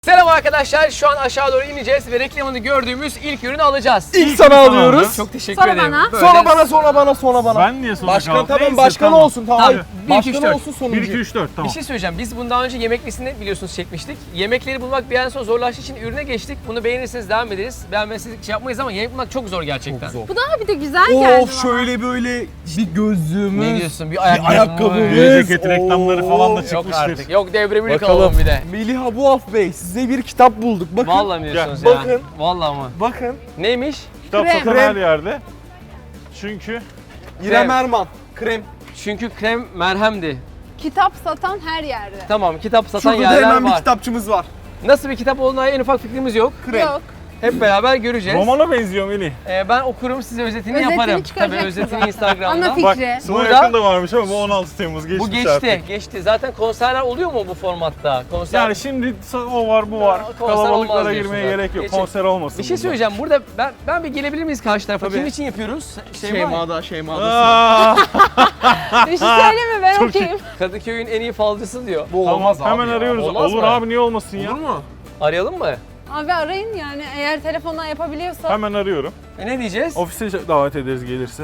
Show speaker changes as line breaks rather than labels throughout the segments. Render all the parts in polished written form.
Selam arkadaşlar. Şu an aşağı doğru ineceğiz ve reklamını gördüğümüz ilk ürünü alacağız.
İlk sana alıyoruz.
Çok teşekkür
Sonra
ederim.
bana.
Böyle-
Sonra bana.
Ben niye sonra
Başkan
kaldım?
tamam,
Neyse,
başkan
tamam.
olsun tamam.
Tamam, bir, iki, üç,
Başkan
dört.
olsun
1,
sonuncu.
2, 3, 4 tamam.
Bir şey söyleyeceğim. Biz bundan önce yemeklisini biliyorsunuz çekmiştik. Yemekleri bulmak bir yerden sonra zorlaştığı için ürüne geçtik. Bunu beğenirseniz devam ederiz. Beğenmezseniz şey yapmayız ama yemek bulmak çok zor gerçekten.
Çok zor.
Bu daha bir de güzel geldi
Of
bana.
şöyle böyle bir gözlüğümüz.
Ne diyorsun? Bir
Bir ayakkabımız.
Bir ceket reklamları falan da
Yok
çıkmıştır.
artık. Yok devremini
Bakalım.
kalalım bir de.
Melih Abuaf Bey size bir kitap bulduk. Bakın.
Vallahi mi diyorsunuz
Gel,
ya?
bakın.
Vallahi mı?
Bakın.
Neymiş?
Kitap
Krem.
satan her yerde. Çünkü
İrem Erman. Krem.
Çünkü krem merhemdi.
Kitap satan her yerde.
Tamam, kitap satan
Şurada da
yerler
hemen bir
var.
kitapçımız var.
Nasıl bir kitap olduğuna en ufak fikrimiz yok.
Krem.
Yok.
Hep beraber göreceğiz.
romana benziyor Melih.
Ben okurum, size özetini
Özetini
yaparım. Tabii
çıkaracaksın
özetini
zaten.
Instagram'da.
Ana
Bak
fikri.
sana
Burada-
yakın da varmış ama bu 16 Temmuz geçmiş
Bu geçti,
artık.
geçti. Zaten konserler oluyor mu bu formatta? Konser.
Yani şimdi o var bu var.
Konser olmaz
Kalabalıklara
diyorsun
girmeye
zaten.
gerek yok.
Geçin.
Konser olmasın.
Bir şey
burada.
söyleyeceğim. Burada ben bir gelebilir miyiz karşı tarafa?
Tabii.
Kim için yapıyoruz?
Şeyma'da.
Aa,
Bir şey söyleyeyim mi? Ben
Çok
okuyayım.
Kadıköy'ün en iyi falcısı diyor.
Bu
tamam
olmaz abi
hemen
ya.
arıyoruz.
Olmaz
Olur
mı?
abi niye olmasın ya?
Olur mu?
Arayalım mı?
Abi arayın yani eğer telefondan yapabiliyorsa.
Hemen arıyorum.
Ne diyeceğiz?
Ofise davet ederiz gelirse.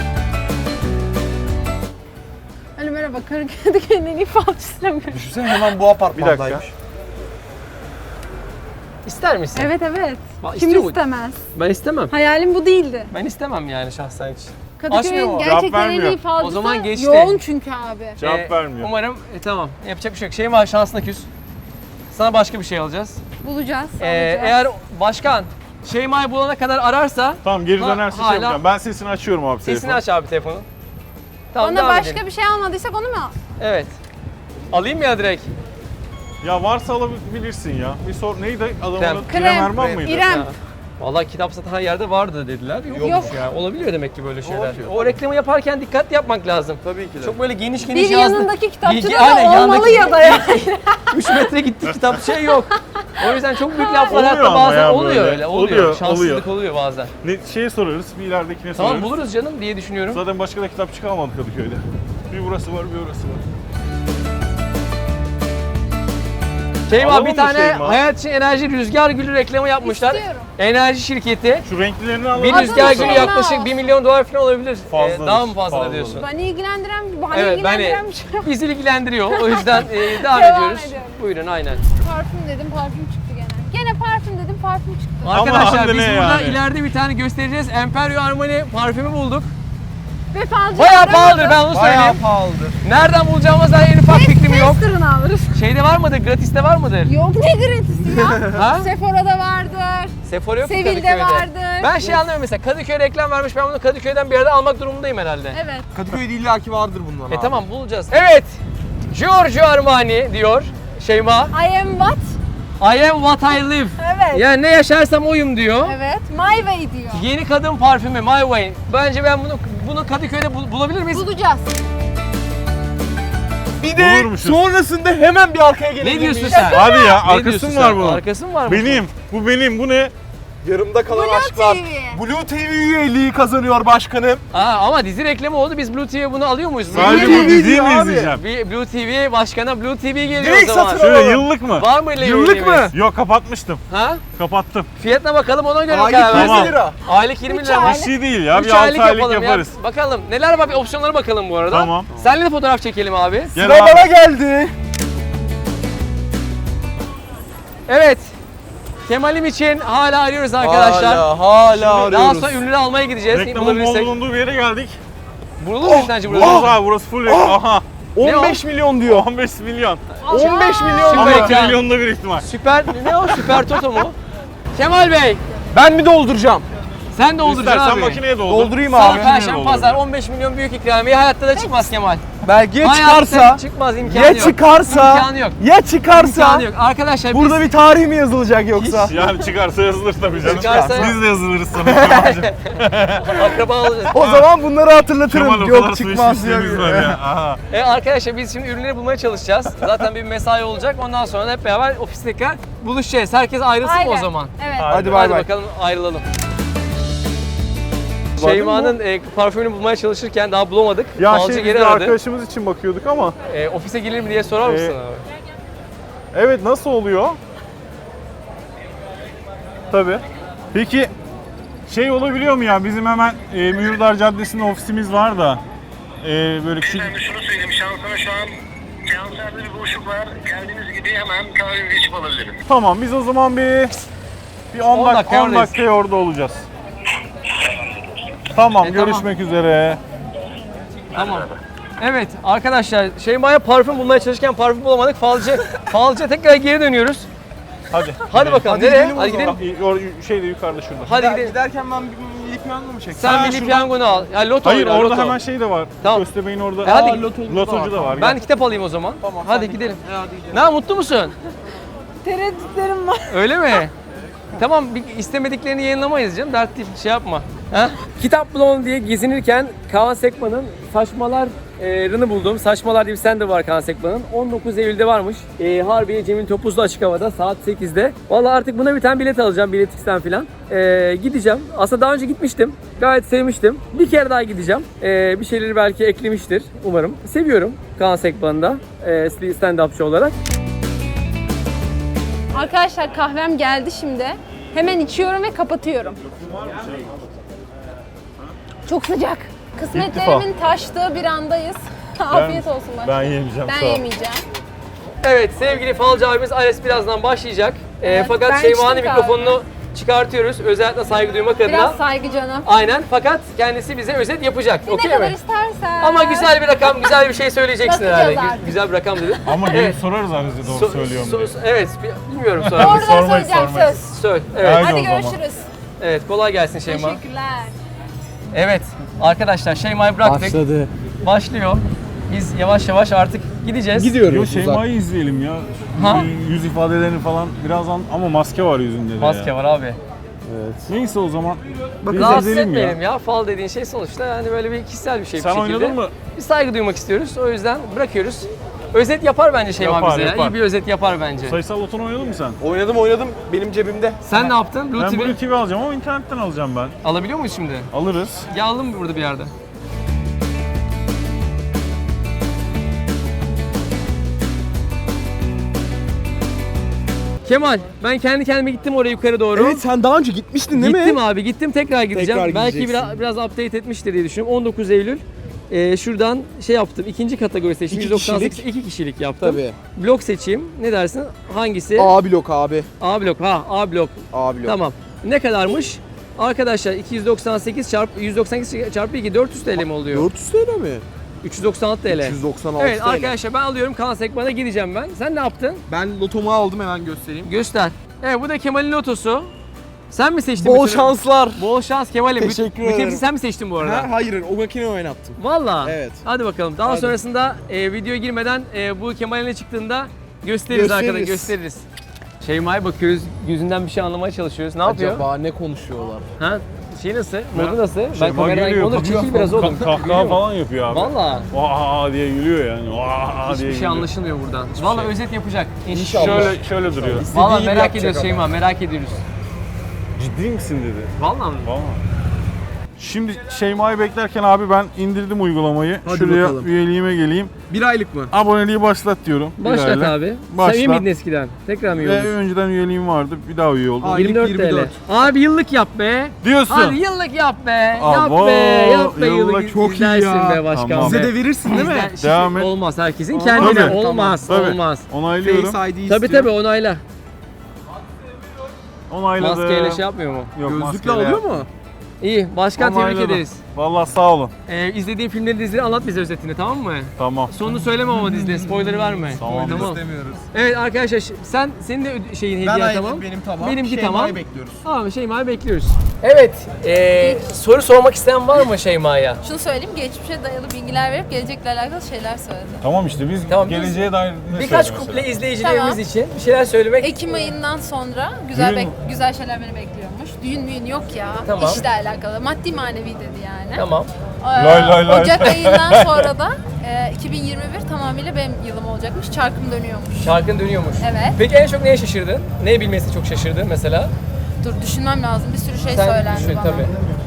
Alo merhaba Kadıköy'ün en iyi falcısıyla mı?
Düşünsene hemen bu apartmandaymış.
Bir dakika.
İster misin?
Evet evet.
Bak,
Kim
istiyor mu?
istemez?
Ben istemem.
Hayalim bu değildi.
Ben istemem yani şahsen hiç. Açmıyor
Kadıköy'ün
mu?
gerçekten en
vermiyor.
iyi falcısı
O zaman geçti.
yoğun çünkü abi.
Cevap vermiyor.
Umarım tamam. Yapacak bir şey yok. Şey var, şansına küs. Sana başka bir şey alacağız.
Bulacağız. alacağız.
Eğer başkan Şeyma'yı bulana kadar ararsa
Tamam geri
Ha,
dönerse şey
hala-
yapacağım. Ben sesini açıyorum abi
sesini
telefonu.
aç abi telefonu. Tamam,
Bana
devam
başka
edelim.
bir şey almadıysak onu mu al?
Evet. Alayım mı ya direkt?
Ya varsa alabilirsin ya. Bir sor neydi adamın
Krem.
adı?
Krem.
İrem Erman mıydı?
İrem.
Ha. Vallahi kitap satan her yerde vardı dediler. Yokmuş
Yok.
ya. Olabiliyor demek ki böyle şeyler.
Olabiliyor.
O reklamı yaparken dikkatli yapmak lazım.
Tabii ki de.
Çok böyle geniş
Bir
yazdı.
yanındaki kitapçıda
Bilgi-
da
aynen,
olmalı
yandaki-
ya da yani.
3 metre gitti kitap şey yok. O yüzden çok büyük laflar
Oluyor
hatta
ama
bazen
ya
oluyor
böyle.
öyle. Oluyor.
Oluyor,
Şanssızlık oluyor bazen.
Ne şeye sorarız, bir ileridekine
Tamam
sorarız.
buluruz canım diye düşünüyorum.
Zaten başka da kitapçı kalmadı Kadıköy'de. Bir burası var, bir orası var.
Şeyma
Alalım
bir
mı
tane
Şeyma?
Hayat için Enerji Rüzgar Gülü reklamı yapmışlar.
İstiyorum.
Enerji şirketi.
Şu renklilerini alalım.
Bir
Adını
rüzgar gülü
Şeyma
yaklaşık
olsun.
1 milyon dolar falan olabilir.
Fazladır,
Daha mı fazla
fazladır.
diyorsun?
Beni ilgilendiren, bana
Evet,
ilgilendiren bir şey yok.
bizi ilgilendiriyor. O yüzden devam
Devam
ediyoruz.
ediyorum.
Buyurun aynen.
Parfüm dedim, parfüm çıktı gene. Gene parfüm dedim, parfüm çıktı.
Arkadaşlar
hem de
biz
ne
burada
yani?
ileride bir tane göstereceğiz. Emperio Armani parfümü bulduk.
Ve falcı
Bayağı
aramadı.
pahalıdır ben onu
Bayağı
söyleyeyim.
pahalıdır.
Nereden bulacağımız dair en ufak fikrim yok.
Tester'ını alırız.
Şeyde var mıdır? Gratis'te var mıdır?
Yok ne gratisi ya.
Ha?
Sephora'da vardır.
Sephora yok mu
Sevil'de
Kadıköy'de?
vardır.
Ben şey anlamıyorum mesela Kadıköy reklam vermiş ben bunu Kadıköy'den bir yerde almak durumundayım herhalde.
Evet.
Kadıköy'de illaki vardır bundan abi.
Tamam bulacağız. Evet. Giorgio Armani diyor Şeyma.
I am what?
I am what I live.
Evet.
Yani ne yaşarsam oyum diyor.
Evet. My way diyor.
Yeni kadın parfümü My Way. Bence ben bunu Kadıköy'de bulabilir miyiz?
Bulacağız.
Bir de
Bulurmuşuz.
sonrasında hemen bir arkaya gelebilir
Ne diyorsun
miyiz?
sen?
Hadi ya,
Ne
arkası
diyorsun
mı
sen?
var bunun?
Arkası mı var?
Benim, bu benim, bu ne?
Yarımda kalan
Blue
aşklar.
TV.
Blue TV üyeliği kazanıyor başkanım.
Ama dizi reklamı oldu. Biz Blue TV bunu alıyor muyuz?
Sadece
Blue
bu
TV
diziyi mi
abi.
izleyeceğim?
Bir Blue TV başkana Blue TV geliyor
Direkt
o zaman.
satın al.
Şöyle
Alalım.
yıllık mı?
Var mı öyle
Yıllık
üyeliğimiz?
mı?
Yok kapatmıştım.
Ha?
Kapattım.
Fiyatına bakalım ona göre
Aylık
karar
20
versin.
lira.
Aylık 20
Üç
lira.
aylık.
Bir şey değil ya,
3
bir 6
aylık
aylık
yapalım
yaparız.
ya. Bakalım neler var bir opsiyonlara bakalım bu arada.
Tamam.
Seninle de fotoğraf çekelim abi.
Gel
Sıra
abi.
bana geldi.
Evet. Kemal'im için hala arıyoruz arkadaşlar.
Hala
Şimdi Daha
arıyoruz.
sonra ünlüleri almaya gideceğiz.
Reklamın bol
Bulabilirsek.
bulunduğu bir yere geldik.
Bulunur mu sence burada?
Burası abi, burası full reklam. Aha.
15 milyon diyor.
15 milyon.
15 milyon
Süper
Ama
diyor.
2 milyonda bir ihtimal.
Süper, ne o? Süper Toto mu? Kemal Bey,
Ben mi dolduracağım?
sen dolduracaksın
İstersen
abi.
makineye doldur.
Doldurayım
Salı,
abi.
Perşembe,
Olur.
Pazar 15 milyon büyük ikramiye hayatta da çıkmaz Kemal.
Belki
Hayatta
çıkarsa,
çıkmaz imkanı
ya
yok.
çıkarsa,
İmkanı yok.
ya çıkarsa,
İmkanı yok. Arkadaşlar
burada bir tarih mi yazılacak yoksa?
Yani çıkarsa yazılır tabii canım.
Çıkarsa-
Biz de yazılırız sana.
biz akraba olacağız.
O zaman bunları
Kemal
hatırlatırım.
o kadar
Yok
su
çıkmaz diye.
içmişliğimiz var ya. Aha.
Arkadaşlar biz şimdi ürünleri bulmaya çalışacağız. Zaten bir mesai olacak. Ondan sonra da hep beraber ofiste tekrar buluşacağız. Herkes ayrılsın mı o
Aynen.
zaman?
Evet.
Hadi bay
Hadi
bay.
bakalım ayrılalım.
Var mı
Şeyma'nın parfümünü bulmaya çalışırken daha bulamadık.
Ya
Falcı
şey,
geri
biz de
aradı.
arkadaşımız için bakıyorduk ama
Ofise gelir mi diye sorar mısın abi?
evet nasıl oluyor? Tabii. Peki şey olabiliyor mu ya? Bizim hemen Mühürdar Caddesi'nde ofisimiz var da böyle küçük...
Efendim şunu söyleyeyim, şansına şu an seanslarda bir boşluk var. Geldiğiniz gibi hemen kahvemizi içip alabiliriz.
Tamam biz o zaman bir 10
dakika oradayız.
dakikaya orada olacağız. Tamam
Tamam.
görüşmek üzere.
Tamam. Evet arkadaşlar Şeyma'ya parfüm bulmaya çalışırken parfüm bulamadık. Falcıya tekrar geri dönüyoruz.
Hadi.
Hadi bakalım.
Hadi
Nereye?
gidelim o
Hadi
zaman.
gidelim.
Şeyde yukarıda şurada.
Hadi gidelim.
Giderken ben bir milli piyango mu çektim?
Sen milli
şuradan-
piyangonu al. Ya loto
Hayır
oyna,
orada
loto.
hemen şey de var.
Tamam.
Köstebeğin orada.
Hadi.
Lotocu da var.
Ben
Gel.
kitap alayım o zaman.
Tamam,
Hadi
sen
gidelim.
Hadi gidelim.
Ne mutlu musun?
Tereddütlerim var.
Öyle mi? Tamam bir istemediklerini yayınlamayız canım. Dert değil. Şey yapma. Ha? Kitap Blon diye gezinirken Kaan Sekman'ın Saçmalar'ını buldum. Saçmalar diye bir stand var Kaan Sekman'ın. 19 Eylül'de varmış. Harbiye Cemil Topuzlu açık havada saat 8'de. Vallahi artık buna bir tane bilet alacağım. Bilet X'ten falan. Gideceğim. Aslında daha önce gitmiştim. Gayet sevmiştim. Bir kere daha gideceğim. Bir şeyleri belki eklemiştir umarım. Seviyorum Kaan Sekman'ı da stand-upçı olarak.
Arkadaşlar kahvem geldi şimdi. Hemen içiyorum ve kapatıyorum. Çok sıcak. Kısmetlerimin taştığı bir andayız. Afiyet olsun bak.
Ben yemeyeceğim.
Ben
sağ ol.
yemeyeceğim.
Evet sevgili falcı abimiz Ares birazdan başlayacak. Fakat
ben
Şeyma'nın
içtim
mikrofonunu çıkartıyoruz. Özellikle saygı duymak adına.
Biraz saygı canım.
Aynen fakat kendisi bize özet yapacak.
Ne
Okey
kadar
mi?
istersen.
Ama güzel bir rakam, güzel bir şey söyleyeceksin
Bakacağız
herhalde.
artık.
Güzel bir rakam dedin.
Ama
Evet.
gelip sorarız Ares'e doğru söylüyorum diye.
Evet, bilmiyorum sonra.
Doğrudan
Sormayız,
söyleyeceğim
sormayız.
söz.
Söyle. Evet.
Haydi
Hadi
o zaman.
görüşürüz.
Evet, kolay gelsin Şeyma.
Teşekkürler.
Evet, arkadaşlar Şeyma'yı bıraktık.
Başladı.
Başlıyor. Biz yavaş yavaş artık gideceğiz.
Yo
Gidiyoruz.
Şeyma'yı izleyelim ya.
Ha?
Yüz ifadelerini falan birazdan ama maske var yüzünde de
Maske
ya.
var abi.
Neyse o zaman biz
Rahatsız
izleyelim
etmeyelim ya. Fal dediğin şey sonuçta yani böyle bir kişisel bir şey
Sen
bir şekilde.
oynadın mı?
Bir saygı duymak istiyoruz. O yüzden bırakıyoruz. Özet yapar bence Şeyma
Yapar,
bize ya.
yapar.
İyi bir özet yapar bence.
Sayısal loto'nu oynadın mı sen?
Oynadım. Benim cebimde.
Sen ne yaptın? Blue
Ben
TV
Blue TV alacağım ama internetten alacağım ben.
alabiliyor muyuz şimdi?
Alırız.
Ya alalım mı burada bir yerde? Kemal, ben kendi kendime gittim oraya yukarı doğru.
Evet sen daha önce gitmiştin değil
Gittim
mi?
abi, gittim tekrar gideceğim.
Tekrar
Belki
gideceksin.
biraz update etmiştir diye düşünüyorum. 19 Eylül. Şuradan şey yaptım, ikinci kategori seçtim.
İki
198,
kişilik.
2 kişilik yaptım.
Tabii.
Blok seçeyim. Ne dersin? Hangisi?
A blok abi.
A blok. Ha, A blok.
A blok.
Tamam. Ne kadarmış? Arkadaşlar 298 çarpı 198 çarpı 2 400 TL mi oluyor?
400 TL mi?
396 TL.
396
Evet
TL.
arkadaşlar ben alıyorum Kaan Sekman'a gideceğim ben. Sen ne yaptın?
Ben lotomu aldım hemen göstereyim.
Göster. Evet bu da Kemal'in lotosu. Sen mi seçtin?
Bol
bütün-
şanslar.
Bol şans Kemal'im.
Teşekkür
Bütün hepsini
ederim.
sen mi seçtin bu arada?
Ha, hayır o makine oynattım.
Valla.
Evet.
Hadi bakalım. Daha
Hadi.
sonrasında videoya girmeden bu Kemal'in ne çıktığında gösteririz arkadaşlar. Gösteririz. Şeyma'ya bakıyoruz. Yüzünden bir şey anlamaya çalışıyoruz. Ne yapıyor?
Acaba ne konuşuyorlar?
Ha? Şey nasıl? Modu nasıl? Ben
Şeyma
kameradan
gülüyor,
olur
bakıyor.
çekil biraz oğlum.
Kahkaha falan yapıyor abi.
Valla.
Vaa diye gülüyor yani. Vaa diye
Hiçbir şey
gülüyor.
anlaşılmıyor buradan. Valla özet yapacak.
İnşallah.
Şöyle duruyor.
Valla
gibi
merak
yapacak
ediyoruz
ama.
Şeyma, merak ediyoruz.
Ciddi misin dedi.
Valla mı?
Vallahi. Şimdi Şeyma'yı beklerken abi ben indirdim uygulamayı.
Hadi
Şuraya
bakalım.
üyeliğime geleyim.
Bir aylık mı?
Aboneliği başlat diyorum.
Başlat
Birayla.
abi.
Başlat.
Sen iyi miydin eskiden? Tekrar mı iyi
Ve
oldun?
önceden üyeliğim vardı. Bir daha üye oldum.
Aylık
24
24.
TL. Abi yıllık yap be.
Diyorsun.
Hadi yıllık yap be.
Abo,
Yap be
yıllık
yıllık.
çok iyi
İzlersin
ya.
be başkan
Tamam.
be.
Bize de verirsin değil mi?
İzler-
Devam et.
Olmaz herkesin
Tabii.
kendine.
Tabii.
Olmaz.
Tabii.
Olmaz.
Onaylıyorum.
Face ID
Tabii
istiyor.
tabii onayla.
Onayladım.
Maskeyle şey yapmıyor mu?
Yok,
Gözlükle
maskeyle
alıyor
yap.
mu?
İyi. Başkan tebrik
Onayladım.
ederiz.
Vallahi sağ olun.
İzlediğin filmleri dizileri anlat bize özetini tamam mı?
Tamam.
Sonunu söyleme ama dizide spoiler verme.
Tamam.
İstemiyoruz.
Evet arkadaşlar senin de şeyin hediye tamam.
Benim tamam.
Benimki
Şeyma'yı
tamam.
bekliyoruz.
Tamam Şeyma'yı bekliyoruz. Evet. Soru sormak isteyen var mı Şeyma'ya?
Şunu söyleyeyim, geçmişe dayalı bilgiler verip gelecekle alakalı şeyler söyledi.
Tamam işte biz
Tamam,
geleceğe dair ne
Birkaç
söylüyoruz
kuple
mesela?
izleyicilerimiz
Tamam.
için bir şeyler söylemek.
Ekim ayından sonra
Düğün-
güzel şeyler beni bekliyormuş. Düğün müğün yok ya,
Tamam.
işle alakalı. Maddi manevi dedi yani.
Tamam.
Lay lay lay.
Ocak ayından sonra da 2021 tamamıyla benim yılım olacakmış. Çarkım dönüyormuş.
Şarkın dönüyormuş.
Evet.
Peki en çok neye şaşırdın? Neyi bilmesi çok şaşırdın mesela?
Dur düşünmem lazım. Bir sürü şey
Sen
söylendi
düşün
bana.
tabii.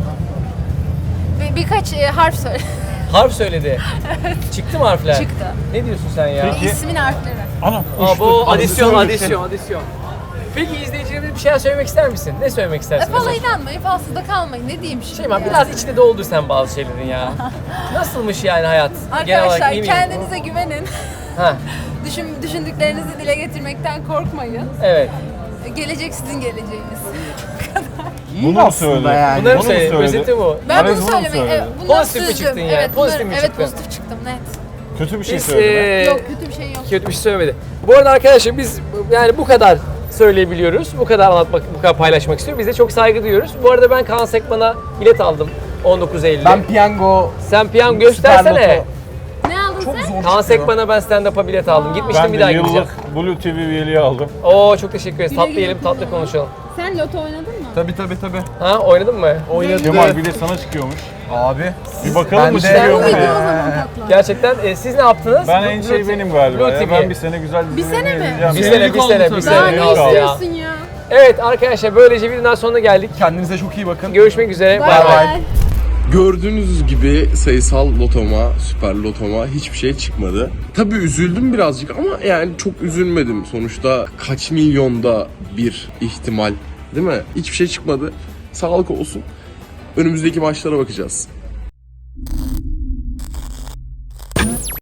Birkaç harf söyle.
Harf söyledi. Çıktı mı harfler?
Çıktı.
Ne diyorsun sen ya?
Peki.
İsmin harfleri.
Anam.
Aa, bu
uçtu.
adisyon,
Adisyon
adisyon, adisyon. Peki izleyicilerimize bir şeyler söylemek ister misin? Ne söylemek istersin
Fala
mesela?
inanmayın, falsızda kalmayın. Ne diyeyim şimdi
Şeyma
ya?
biraz içine doldur sen bazı şeylerin ya. Nasılmış yani hayat? Genel olarak
Arkadaşlar
iyi mi?
kendinize güvenin.
Ha,
Düşündüklerinizi dile getirmekten korkmayın.
evet.
Gelecek sizin geleceğiniz.
Bunu mu söyledi?
yani.
Bunları mı
Bunu mu
söyledi?
söyledi?
Özeti bu.
Ben
Arez
bunu
bunu mu
söylemek,
söyledi?
bundan
Pozitif mi
süzdüm.
çıktın yani?
Evet,
Pozitif mi
evet
çıktın?
pozitif çıktım net.
Kötü bir şey
Biz,
söyledi mi?
Yok kötü bir şey yok.
kötü bir şey söylemedi. Bu arada arkadaşlar biz yani bu kadar söyleyebiliyoruz. Bu kadar anlatmak, bu kadar paylaşmak istiyoruz. Biz de çok saygı duyuyoruz. Bu arada ben Kaan Sekman'a bilet aldım 19 Eylül'de.
Ben piyango
Sen piyango
Süper
göstersene.
Loto.
Ne aldın
çok
sen?
zor
Kaan
çıkıyor.
Sekman'a ben stand-up'a bilet aldım. Gitmiştim
Ben
bir
de
daha gideceğim.
yıllık Blue TV üyeliği aldım.
Oo çok teşekkür ederiz. Tatlı
güle
yiyelim, tatlı
kullan.
konuşalım.
Sen loto oynadın mı?
Tabii.
Ha oynadın mı?
Oynadı.
Kemal bir de sana çıkıyormuş.
Abi.
Bir bakalım
Ben
mı
de-
çıkıyor mu
Uydu o
ya?
zaman tatlı.
Gerçekten siz ne yaptınız?
Ben en şey benim galiba
Blue
ya.
TV.
Ben bir sene güzel dizilerini
sene mi?
izleyeceğim.
Bir
ya.
sene, bir sene, bir
Daha
sene.
ne
kaldı.
istiyorsun ya?
Evet arkadaşlar böylece videonun sonuna geldik.
Kendinize çok iyi bakın.
Görüşmek üzere.
Bay
Bay bay.
bay.
Gördüğünüz gibi sayısal lotoma, süper lotoma hiçbir şey çıkmadı. Tabii üzüldüm birazcık ama yani çok üzülmedim. Sonuçta kaç milyonda bir ihtimal, değil mi? Hiçbir şey çıkmadı. Sağlık olsun. Önümüzdeki maçlara bakacağız.